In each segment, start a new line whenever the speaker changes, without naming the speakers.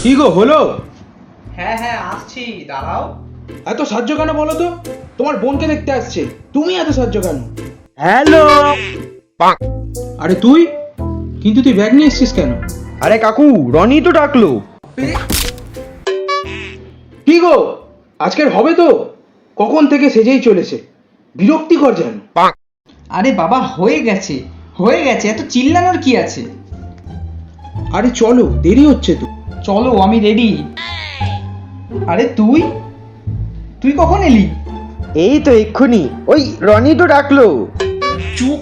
কি গো হলো?
হ্যাঁ হ্যাঁ আসছি, দাঁড়াও।
এত সাহায্য কেন বলো তো? তোমার বোনকে দেখতে আসছে, তুমি এত সাহায্য কেন?
হ্যালো।
আরে তুই কিন্তু তুই ব্যাগ নিয়ে এসছিস কেন?
আরে কাকু, রনি তো ডাকলো।
কি গো আজকের হবে তো? কখন থেকে সেজেই চলেছে, বিরক্তিকর যেন।
আরে বাবা হয়ে গেছে হয়ে গেছে, এত চিল্লানোর কি আছে?
আরে চলো, দেরি হচ্ছে তো।
চলো আমি রেডি। আরে তুই তুই কখন এলি?
এই তো এক্ষুনি, ওই রনি তো ডাকলো।
চুপ।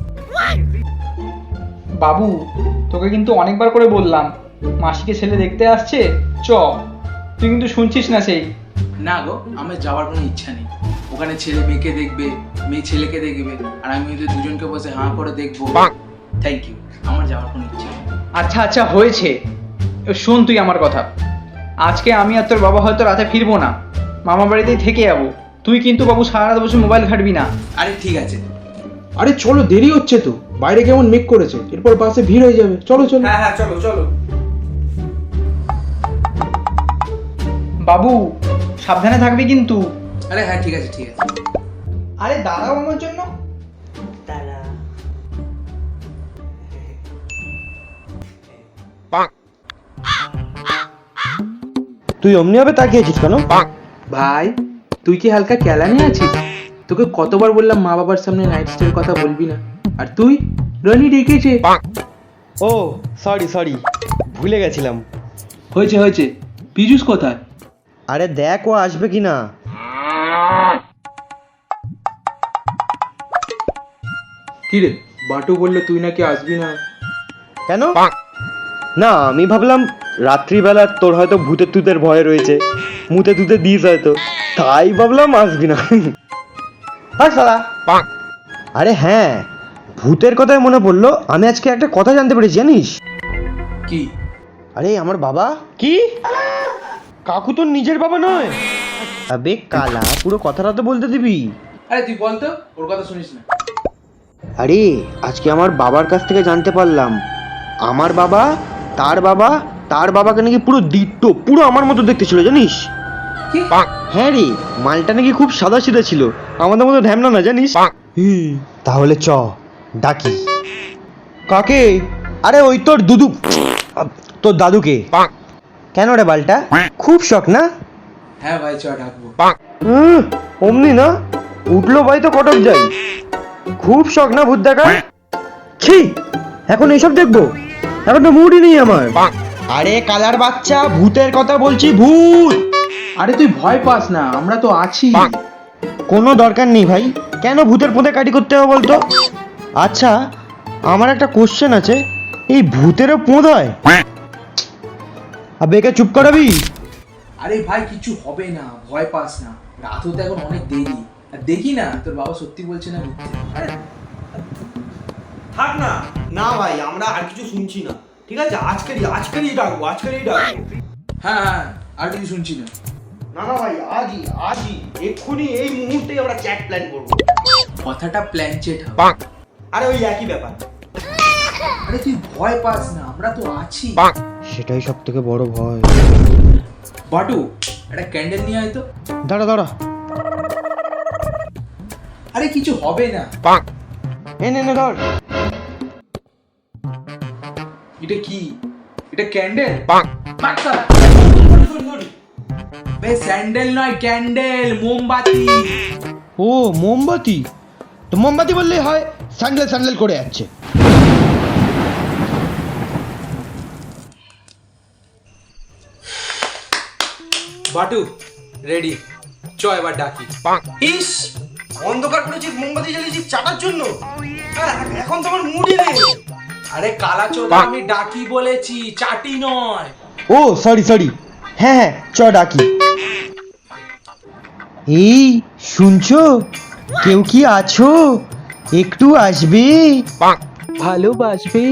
বাবু তোকে কিন্তু অনেকবার করে বললাম মাসিকে ছেলে দেখতে আসছে, চ। তুই কিন্তু শুনছিস না সেই।
না গো, আমার যাওয়ার কোনো ইচ্ছা নেই। ওখানে ছেলে মেয়েকে দেখবে, মেয়ে ছেলেকে দেখবে, আর আমি ওদের দুজনকে বসে হাঁ করে দেখবো। থ্যাংক ইউ, আমার যাওয়ার কোনো ইচ্ছা নেই।
আচ্ছা আচ্ছা হয়েছে, শোন তুই আমার কথা। আজকে আমি আর তোর বাবা হয়তো রাতে ফিরবো না, মামা বাড়িতেই থেকে যাবো। তুই কিন্তু বাবু সারা রাত বসে মোবাইল ঘাটবি না।
আরে ঠিক আছে।
আরে চলো, দেরি হচ্ছে তো, বাইরে কেমন মেঘ করেছে, এরপর বাসে ভিড় হয়ে যাবে। চলো চলো।
হ্যাঁ হ্যাঁ চলো চলো।
বাবু সাবধানে থাকবি কিন্তু।
আরে হ্যাঁ ঠিক আছে ঠিক আছে।
আরে দাঁড়াও আমার জন্য।
তুই অমনি ভাবে তাকিয়েছিস কেন?
ভাই তুই কি হালকা কেলানি আছিস? তোকে কতবার বললাম মা বাবার সামনে নাইট স্টের কথা বলবি না, আর তুই? রনি ডেকেছে।
ও সরি সরি, ভুলে গেছিলাম।
হয়েছে হয়েছে, পীযুষ কোথায়?
আরে দেখ ও আসবে কিনা।
কি রে, বাটু বললো তুই নাকি আসবি না।
কেন? না আমি ভাবলাম রাত্রিবেলা তোর হয়তো ভূতের তুতের ভয় রয়েছে, মুতে তুতে দিস হয়তো, তাই ভাবলাম আসবি না। আর সালা। আরে হ্যাঁ, ভূতের কথায় মনে পড়লো, আমি আজকে একটা কথা জানতে পেরেছি জানিস?
কি?
আরে আমার বাবা। কি? কাকু তোর নিজের বাবা নয়? আবে কালা, পুরো কথাটা তো বলতে দিবি।
আরে তুই বল তো, ওর কথা শুনিস না।
আরে আজকে আমার বাবার কাছ থেকে জানতে পারলাম, আমার বাবা তার বাবা তার বাবাকে নাকি পুরো দিট্টো, পুরো আমার মতো দেখতে ছিল জানিস?
কি?
হ্যাঁ রে, মালটা নাকি খুব সাদা সিধা ছিল, আমাদের মতো ঢ্যামনা না জানিস। তাহলে চ ডাকি। কাকে? আরে ওই তোর দুদু, তোর দাদুকে। কেন রে বালটা, খুব শখ না?
হ্যাঁ ভাই চ ডাকবো।
অমনি না, উঠলো ভাই তো কটক যাই। খুব শখ না ভূত দেখা? ছি, এখন এসব দেখবো? এখন তো মুডই নেই আমার। আরে কালার বাচ্চা, ভূতের কথা বলছি, ভূত।
আরে তুই ভয় পাস না, আমরা তো আছি।
কোনো দরকার নেই ভাই, কেন ভূতের পোঁতে কাটি করতে হবে বলতো? আচ্ছা আমার একটা কোশ্চেন আছে, এই ভূতেরও পোঁত হয়? আবে একে চুপ করাবি?
আরে ভাই কিছু হবে না, ভয় পাস না, রাত হতে এখন অনেক দেরি। আর দেখি না তোর বাবা সত্যি বলছে না মিথ্যে। আরে
থাক না। না ভাই, আমরা আর কিছু শুনছি না, ঠিক আছে? আজকেরই ডাকবো।
হ্যাঁ হ্যাঁ, আর কিছু শুনছি না।
না না ভাই, আজই এক্ষুনি এই মুহূর্তেই আমরা চ্যাট প্ল্যান করবো।
কথাটা প্ল্যান চেট হবে।
আরে ওই একই ব্যাপার।
আরে তুই ভয় পাস না, আমরা তো আছি।
সেটাই সব থেকে বড় ভয়।
বাটু একটা ক্যান্ডেল নিয়ে আয় তো।
দাঁড়া দাঁড়া,
আরে কিছু হবে না।
নে ধর।
এটা কি? এটা ক্যান্ডেল? বে স্যান্ডেল নয়, ক্যান্ডেল, মোমবাতি।
ও মোমবাতি, তো মোমবাতি বললেই হয়, স্যান্ডেল স্যান্ডেল করে যাচ্ছে।
বাটু রেডি, চ এবার ডাকি।
ইস, অন্ধকার করেছিস, মোমবাতি জ্বালিয়েছিস চাটার জন্য। এখন তো আমার মুডই নেই।
আরে কালা চোদা, আমি ডাকি বলেছি, চাটি নয়।
ও সরি সরি, হ্যাঁ হ্যাঁ চ ডাকি। এই শুনছো, কেউ কি আছো? একটু আসবে?
ভালোবাসবে।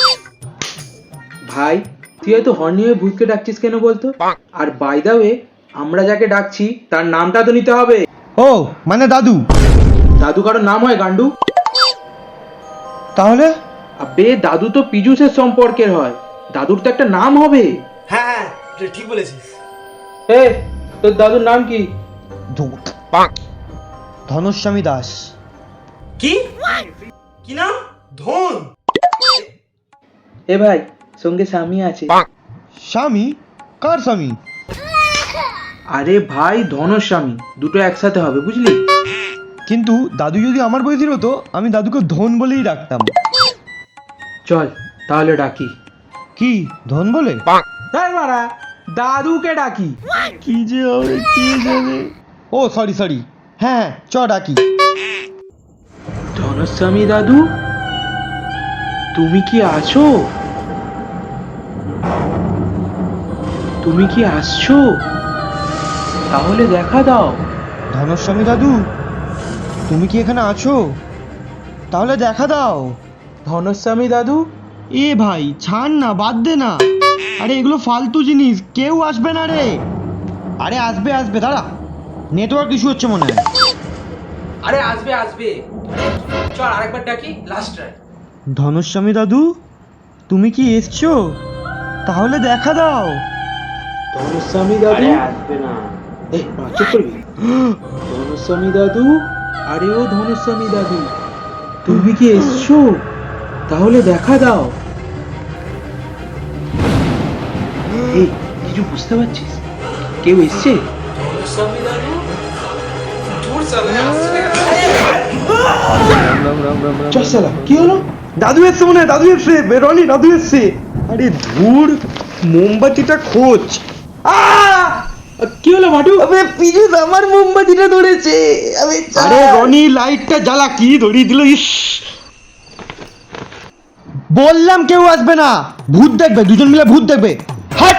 ভাই তুই এত হর্নি হয়ে ভূতকে ডাকছিস কেন বলতো? আর বাই দা ওয়ে, আমরা যাকে ডাকছি তার নামটা তো নিতে হবে।
ও মানে দাদু?
দাদু কারোর নাম হয় গান্ডু?
তাহলে?
আবে দাদু তো পীযুষের সম্পর্কের হয়, দাদুর তো একটা নাম হবে।
হ্যাঁ হ্যাঁ, ঠিক বলেছিস।
এ তোর দাদুর নাম কি?
ধূত ধনুস্বামী দাস।
কি কি নাম? ধন?
এ ভাই, সঙ্গে স্বামী আছে।
স্বামী? কার স্বামী?
আরে ভাই, ধনস্বামী, দুটো একসাথে হবে, বুঝলি?
কিন্তু দাদু যদি আমার বয়সের হতো আমি দাদুকে ধন বলেই ডাকতাম।
চল তাহলে ডাকি।
কি ধন বলে?
হ্যাঁ মারা, দাদুকে ডাকি।
কি যে হবে কে জানে। ও সরি সরি, হ্যাঁ চ ডাকি।
ধনস্বামী দাদু, তুমি কি আছো? তুমি কি আসছো? তাহলে দেখা দাও।
ধনস্বামী দাদু, তুমি কি এখানে আছো? তাহলে দেখা দাও।
ধনস্বামী দাদু,
এ ভাই ছাড় না, বাদ দে না। আরে এগুলো ফালতু জিনিস, কেউ আসবে না রে। আরে আসবে আসবে, দাঁড়া, নেটওয়ার্ক ইস্যু হচ্ছে মনে হয়।
আরে আসবে আসবে, চল আরেকবার ডাকি, লাস্ট ট্রাই।
ধনস্বামী দাদু, তুমি কি এসছো? তাহলে দেখা দাও।
ধনস্বামী দাদু আসবে না। চুপ করবি। ধনস্বামী দাদু, আরে ও ধনস্বামী দাদু, তুমি কি এসছো? তাহলে দেখা দাও। এই, কিছু বুঝতে পারছিস? কেউ এসছে?
স্বামী দাদু, দূর সামনে আসছে না।
চল শালা, কি হলো?
দাদু এসছে মনে হয়, দাদু এসছে, বেরোনি, দাদু এসছে। আরে ধুর, মোমবাতিটা খোঁজ।
কি হলো মাটু?
আবে পিজু আমার মোমবাতিটা ধরেছে। আরে রনি, লাইটটা জ্বালা, কি ধরিয়ে দিল। ইস, বললাম কেউ আসবে না, ভূত দেখবে, দুজন মিলে ভূত দেখবে। হাট।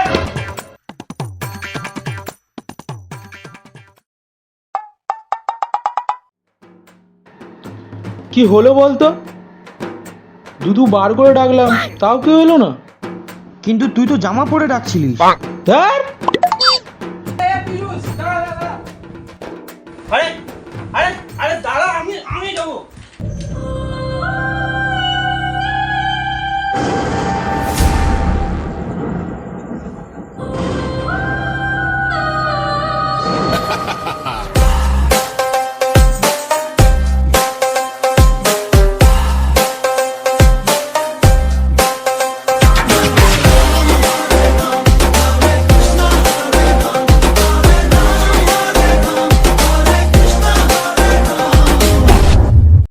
কি হলো বলতো? দুধু বার করে ডাকলাম, তাও কেউ এলো না।
কিন্তু তুই তো জামা পরে ডাকছিলিস।
ধ্যার,
আরে